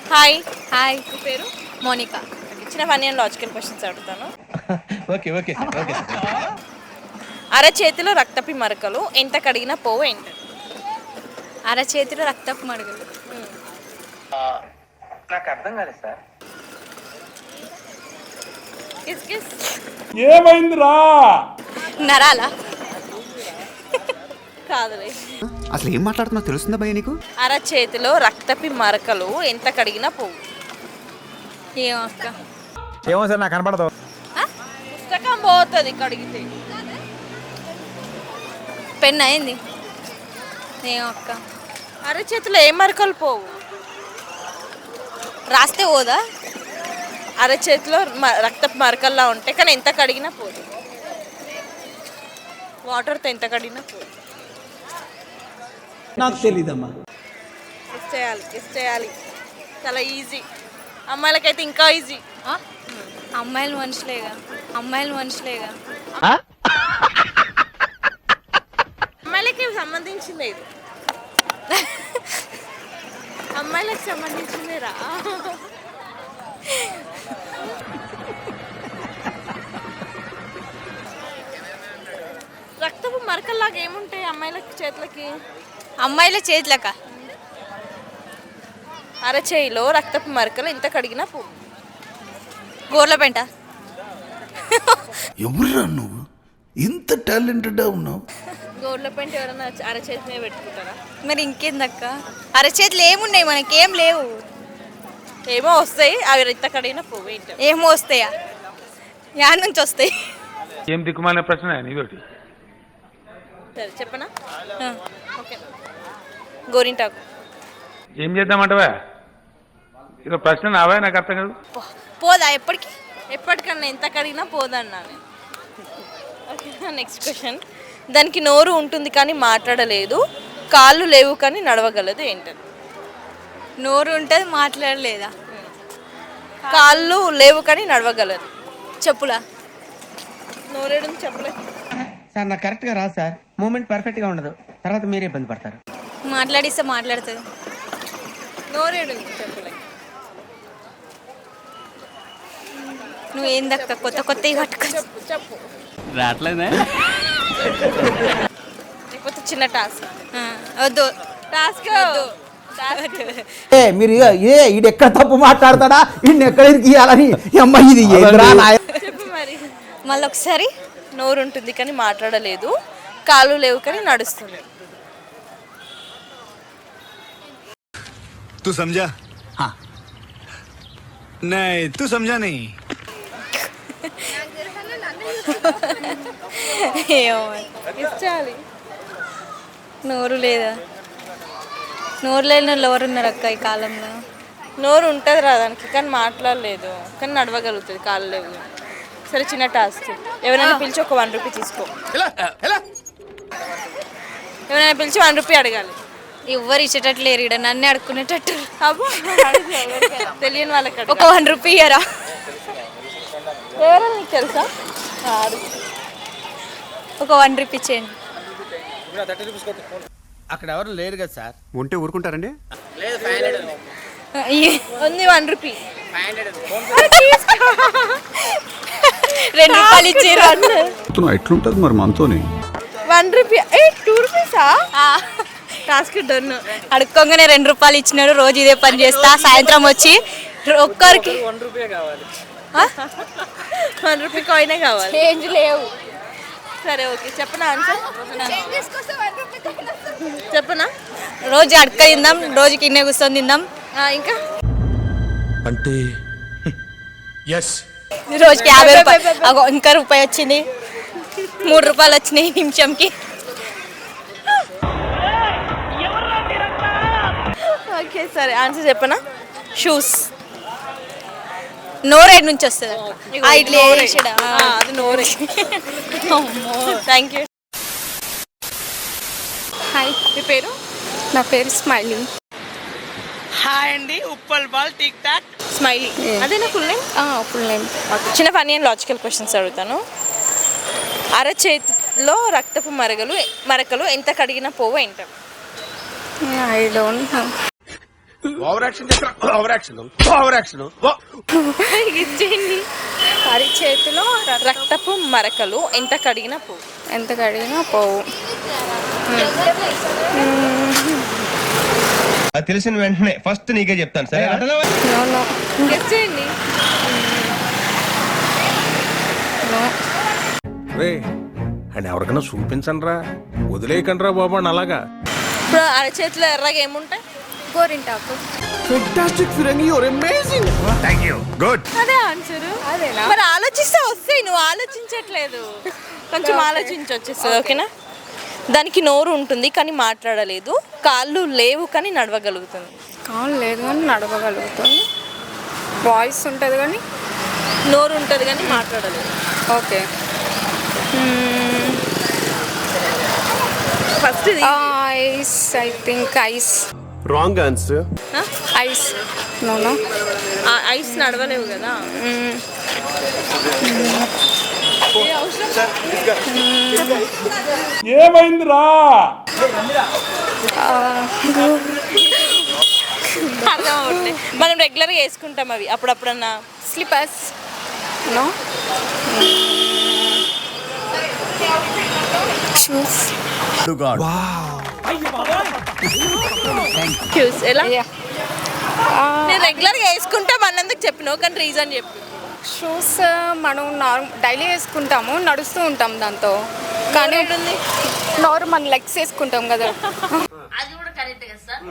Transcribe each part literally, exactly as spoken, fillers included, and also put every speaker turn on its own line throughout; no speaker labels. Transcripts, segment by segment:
Hi.
Hi,
మీ పేరు?
Monica.
చిన్న funny and logical questions అడుగుతాను.
ఓకే ఓకే ఓకే
అరచేతిలో రక్తపి మరకలు ఎంత కడిగినా పోవు ఏంటి?
అరచేతిలో రక్తపు మడుగులు.
నాకు అర్థం కాలేదు సార్.
Kiss kiss.
ఏమైందిరా?
నరాలా?
కాదులే.
అసలు ఏం మాట్లాడుతున్నావు తెలుస్తుందా భయ్య నీకు?
అరచేతిలో రక్తపి మరకలు ఎంత కడిగినా పోవు.
ఏం అక్క?
ఏమో సార్ నాకు కనపడదు.
పుస్తకం పోతుంది కడిగితే.
పెన్ అయింది. ఏం అక్క?
అరచేతిలో ఏ మరకలు పోవు.
రాస్తే పోదా?
అరచేతిలో మ- రక్తపు మరకల్లా ఉంటాయి కానీ ఎంత కడిగినా పోదు. వాటర్తో ఎంత కడిగినా పోదు.
నాకు తెలీదమ్మా.
కిస్ చేయాలి కిస్ చేయాలి చాలా ఈజీ. అమ్మాయిలకైతే ఇంకా ఈజీ.
ఆ? అమ్మాయిలు మనుషులేగా, అమ్మాయిలు మనుషులేగా.
అమ్మాయిలకి సంబంధించింది ఇది. అమ్మాయిలకు సంబంధించింది రా. రక్తపు మరకల్లాగా ఏముంటాయి అమ్మాయిలకి చేతులకి?
అమ్మాయిల చేతులక
అరచేయిలో రక్తపు మరకలు ఎంత కడిగినా పో.
గోర్ల పెంట.
ఎవరురా నువ్వు ఇంత టాలెంటెడ్ ఉన్నావు?
గోర్ల పెంట ఎవరైనా అరచేతి మీద పెట్టుకుంటారా?
మరి ఇంకేందక్క? అరచేతులు ఏమున్నాయి, మనకేం లేవు.
ఏమో వస్తాయి అవి ఎంత కడిగినా పోవు. ఏంటి?
ఏమో వస్తాయా? యాడ్ నుంచి వస్తాయి.
ఏం దిక్కుమాలిన ప్రశ్న నీతోటి.
సరే చెప్పనా?
ఆ.
ఓకే. గోరింటాకు.
ఏం చేద్దామంటవా? ఇదో ప్రశ్న నావా? నాకు అర్థం కాదు.
పో- పోదా ఎప్పటికి?
ఎప్పటికన్నా ఎంత కడిగినా పోదన్నా నేను. Okay next question. దానికి నోరు ఉంటుంది కానీ మాట్లాడలేదు, కాళ్ళు లేవు కానీ నడవగలదు ఏంటది?
నోరు ఉంటుంది మాట్లాడలేదా?
కాళ్ళు లేవు కానీ నడవగలదు.
చెప్పులా?
నోరేడు చెప్పలే.
సార్ నాకు కరెక్ట్గా రాదు సార్. మూమెంట్ పర్ఫెక్ట్గా ఉండదు, తర్వాత మీరే ఇబ్బంది పడతారు.
మాట్లాడిస్తే మాట్లాడుతుంది.
నోరేడు చెప్పలే.
నువ్వు ఏందక్క కొత్త కొత్త పట్టుకో.
చెప్పు చెప్పు.
రావట్లేదే.
లేకపోతే చిన్న టాస్క్.
ఆ, వద్దు.
టాస్క్
ఏ మీరు ఏ ఇది ఎక్కడ తప్పు మాట్లాడతాడా, ఇన్ని ఎక్కడ ఇరికియాలని అమ్మాయి ఇది ఏంద్రా నాయ.
చెప్పు మరి.
మళ్ళీ ఒకసారి.
నోరు ఉంటుంది కానీ మాట్లాడలేదు, కాళ్ళు లేవు కానీ నడుస్తుంది.
तू समझा? हाँ नहीं तू समझा नहीं.
ఏమో మరి.
ఇచ్చాలి.
నోరు లేదా? నోరు లేని వాళ్ళు ఎవరు ఉన్నారు అక్క ఈ కాలంలో?
నోరు ఉంటుంది రా దానికి కానీ మాట్లాడలేదు, కానీ నడవగలుగుతుంది కాళ్ళు లేవు. సరే చిన్న టాస్క్. ఎవరైనా పిలిచి ఒక వన్ రూపీ తీసుకో. ఎవరైనా పిలిచి వన్ రూపీ అడగాలి.
ఎవ్వరు ఇచ్చేటట్లు లేరు ఈడ, నన్నే అడుక్కునేటట్టు.
అబ్బో తెలియని వాళ్ళకి అడగాలి.
ఒక వన్ రూపీ ఇయ్యరా?
ఎవరో నీకు తెలుసా? ఆ, అడుగు.
ఒక వన్ రూపీ ఇచ్చేయండి.
అక్కడ ఎవరు లేరు కదా సార్.
ఉంటే ఊరుకుంటారండి?
ఈ-
ఉంది వన్ రూపీ.
రెండు రూపాయలు ఇచ్చారు.
ఎట్లుంటది మరి మనతోని?
One rupee. ఏ టూ రూపీసా? Task done.
అడుక్కోగానే రెండు రూపాయలు ఇచ్చినాడు. రోజు ఇదే పని చేస్తా. సాయంత్రం వచ్చి ఒక్కరికి
వన్ రూపీ కాయినే కావాలి.
చేంజ్ లేవు.
సరే ఓకే చెప్పనా ఆన్సర్? చెప్పనా?
రోజు అడక తిందాం, రోజు కిన్నే కూర్చొని తిందాం.
ఆ, ఇంకా
అంటే ఎస్
రోజుకి యాభై రూపాయలు. అగో ఇంకా రూపాయి వచ్చింది. మూడు రూపాయలు వచ్చినాయి నిమిషంకి.
ఓకే సరే ఆన్సర్ చెప్పనా? షూస్.
నోరేడు నుంచి వస్తుంది. ఆ, ఇట్లా వేసాడా?
అది నోరే. Thank you.
హాయ్,
మీ పేరు?
నా పేరు స్మైలీ.
హాయ్ అండి, Uppal Bal TikTok.
Smiley. అదేనా ఫుల్ నేమ్?
Full name.
చిన్న ఫన్నీ అండ్ లాజికల్ క్వశ్చన్స్ అడుగుతాను. అరచేతిలో రక్తపు మరకలు మరకలు ఎంత కడిగినా పోవు ఏంటారు?
I don't know.
Over action చేస్తా ఓవర్ యాక్షన్ ఓవర్ యాక్షన్
ఇచ్చేయండి.
అరిచేతిలో
రక్తపు మరకలు ఎంత కడిగినా పో.
ఎంత కడిగినా పోవు.
అది తెలిసిన వెంటనే ఫస్ట్ నీకే చెప్తాను సరే.
నో నో
గెస్ చేయండి.
నో.
రే అండ్ ఎవరికైనా చూపించండి రా, వదిలేయకండి రా బాబు అని అలాగా.
ఇప్పుడు అరచేతిలో ఎర్రగా ఏముంటాయి?
గోరింటాకు.
ఫెంటాస్టిక్ ఫిరంగి యువర్ అమేజింగ్. థాంక్యూ. గుడ్.
అదే ఆన్సర్.
అదేనా?
మరి ఆలోచిస్తే వస్తాయి, నువ్వు ఆలోచించట్లేదు. కొంచెం ఆలోచించి వచ్చేస్తుంది. ఓకేనా? దానికి నోరు ఉంటుంది కానీ మాట్లాడలేదు, కాళ్ళు లేవు కానీ నడవగలుగుతుంది.
కాలు లేదు కానీ నడవగలుగుతుంది, వాయిస్ ఉంటుంది కానీ
నోరు ఉంటుంది కానీ మాట్లాడలేదు.
Okay.
First
ice. I think ice.
Wrong answer.
Ice. No no.
Ice నడవలేవు కదా.
ఏమైందిరా?
అర్థం అవుతుంది. మనం రెగ్యులర్గా వేసుకుంటాం అవి అప్పుడప్పుడన్నా.
స్లిపర్స్. నో. షూస్.
క్యూస్ ఎలా?
యా.
నేను రెగ్యులర్గా వేసుకుంటాం అన్నందుకు చెప్పినావు కానీ రీజన్ చెప్పు.
షూస్ మనం నార్మల్ డైలీ వేసుకుంటాము, నడుస్తూ ఉంటాం దాంతో. కానీ నార్మల్ లెగ్స్ వేసుకుంటాం కదా.
అది కూడా కరెక్ట్ కదా సార్.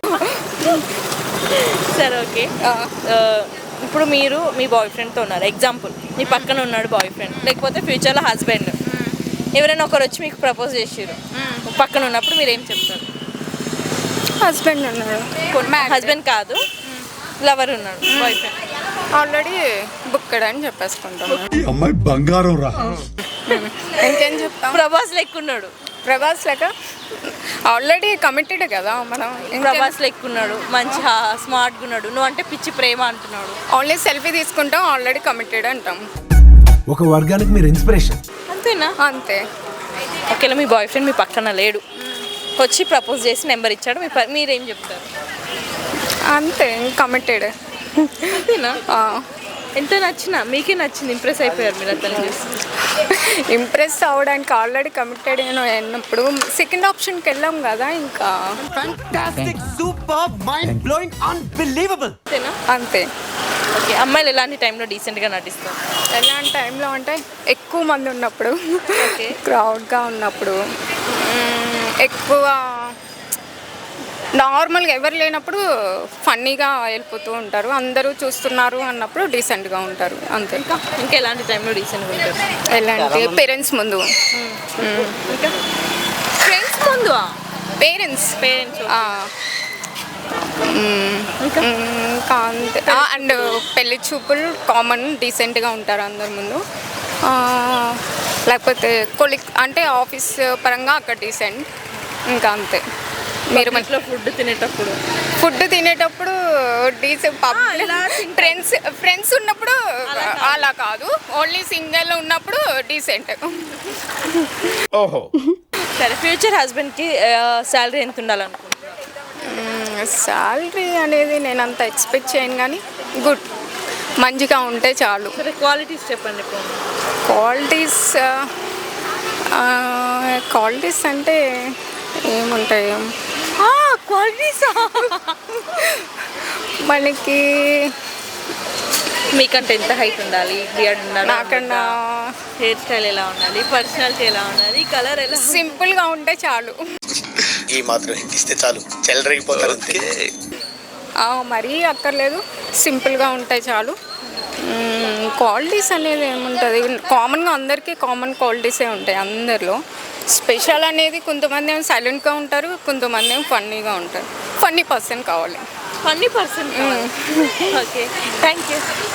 సరే ఓకే. ఇప్పుడు మీరు మీ బాయ్ ఫ్రెండ్తో ఉన్నారు, ఎగ్జాంపుల్ మీ పక్కన ఉన్నాడు బాయ్ ఫ్రెండ్, లేకపోతే ఫ్యూచర్లో హస్బెండ్. ఎవరైనా ఒకరు వచ్చి మీకు ప్రపోజ్ చేసారు, పక్కన ఉన్నప్పుడు మీరు ఏం చెప్తారు?
హస్బెండ్ ఉన్నాడు.
హస్బెండ్ కాదు, లవర్ ఉన్నాడు, బాయ్ ఫ్రెండ్.
ఆల్రెడీ బుక్కడ్ అని చెప్పేసుకుంటాం.
అమ్మాయి బంగారం రా.
ఇంకేం చెప్తాం?
ప్రభాస్ లెక్కున్నాడు.
ప్రభాస్ లెక్క ఆల్రెడీ కమిటెడ్ కదా మనం.
ప్రభాస్ లెక్కున్నాడు, మంచి స్మార్ట్గా ఉన్నాడు, నువ్వు అంటే పిచ్చి ప్రేమ అంటున్నాడు.
ఓన్లీ సెల్ఫీ తీసుకుంటాం, ఆల్రెడీ కమిటెడ్ అంటాం.
ఒక వర్గానికి మీరు ఇన్స్పిరేషన్.
అంతేనా?
అంతే.
ఓకేలా మీ బాయ్ ఫ్రెండ్ మీ పక్కన లేడు, వచ్చి ప్రపోజ్ చేసి నెంబర్ ఇచ్చాడు, మీ ప- మీరేం చెప్తారు?
అంతే, కమిటెడ్.
అంతేనా? ఎంత నచ్చినా మీకే నచ్చింది, ఇంప్రెస్ అయిపోయారు మీరు అతను చూసి.
ఇంప్రెస్ అవ్వడానికి ఆల్రెడీ కమిటెడ్ అయినప్పుడు సెకండ్ ఆప్షన్కి వెళ్ళాం కదా ఇంకా.
అంతేనా?
అంతే.
ఓకే. అమ్మాయిలు ఎలాంటి టైంలో డీసెంట్గా నటిస్తారు?
ఎలాంటి టైంలో అంటే ఎక్కువ మంది ఉన్నప్పుడు,
ఓకే.
క్రౌడ్గా ఉన్నప్పుడు, మ్మ్, ఎక్కువ నార్మల్గా ఎవరు లేనప్పుడు ఫన్నీగా వెళ్ళిపోతూ ఉంటారు, అందరూ చూస్తున్నారు అన్నప్పుడు డీసెంట్గా ఉంటారు. అంతే.
ఇంకా ఇంకా ఎలాంటి టైంలో డీసెంట్గా ఉంటారు?
ఎలాంటి పేరెంట్స్ ముందు.
ఇంకా ఫ్రెండ్స్ ముందు,
పేరెంట్స్
పేరెంట్స్.
ఇంకా అంతే. అండ్ పెళ్లి చూపులు కామన్, డీసెంట్గా ఉంటారు అందరి ముందు. ఆ, లేకపోతే కొలిక్ అంటే ఆఫీస్ పరంగా అక్కడ డీసెంట్. ఇంకా అంతే. మీరు
ఇంట్లో ఫుడ్ తినేటప్పుడు
ఫుడ్ తినేటప్పుడు డీసెంట్. ఫ్రెండ్స్ ఫ్రెండ్స్ ఉన్నప్పుడు అలా కాదు, ఓన్లీ సింగిల్ ఉన్నప్పుడు డీసెంట్.
ఓహో.
సరే, ఫ్యూచర్ హస్బెండ్కి శాలరీ ఎంత ఉండాలనుకుంటున్నాను?
శాలరీ అనేది నేను అంత ఎక్స్పెక్ట్ చేయను, కానీ గుడ్, మంచిగా ఉంటే చాలు.
సరే, క్వాలిటీస్ చెప్పండి ఇప్పుడు.
క్వాలిటీస్ క్వాలిటీస్ అంటే ఏముంటాయి?
క్వాలిటీస్
మనకి
మీకంటే ఎంత హైట్ ఉండాలి, బియర్డ్ ఉండాలి,
నాకన్నా
హెయిర్ స్టైల్ ఎలా ఉండాలి, పర్సనాలిటీ ఎలా ఉండాలి, కలర్ ఎలా?
సింపుల్గా ఉంటే చాలు.
ఈ మాత్రం ఇస్తే చాలు, చెల్లరగిపోతారు.
మరీ అక్కర్లేదు, సింపుల్గా ఉంటే చాలు. క్వాలిటీస్ అనేది ఏముంటుంది, కామన్గా అందరికీ కామన్ క్వాలిటీసే ఉంటాయి అందరిలో. స్పెషల్ అనేది కొంతమంది ఏమో సైలెంట్గా ఉంటారు, కొంతమంది ఏమో ఫన్నీగా ఉంటారు. ఫన్నీ పర్సన్ కావాలి.
Funny person. Okay, thank you.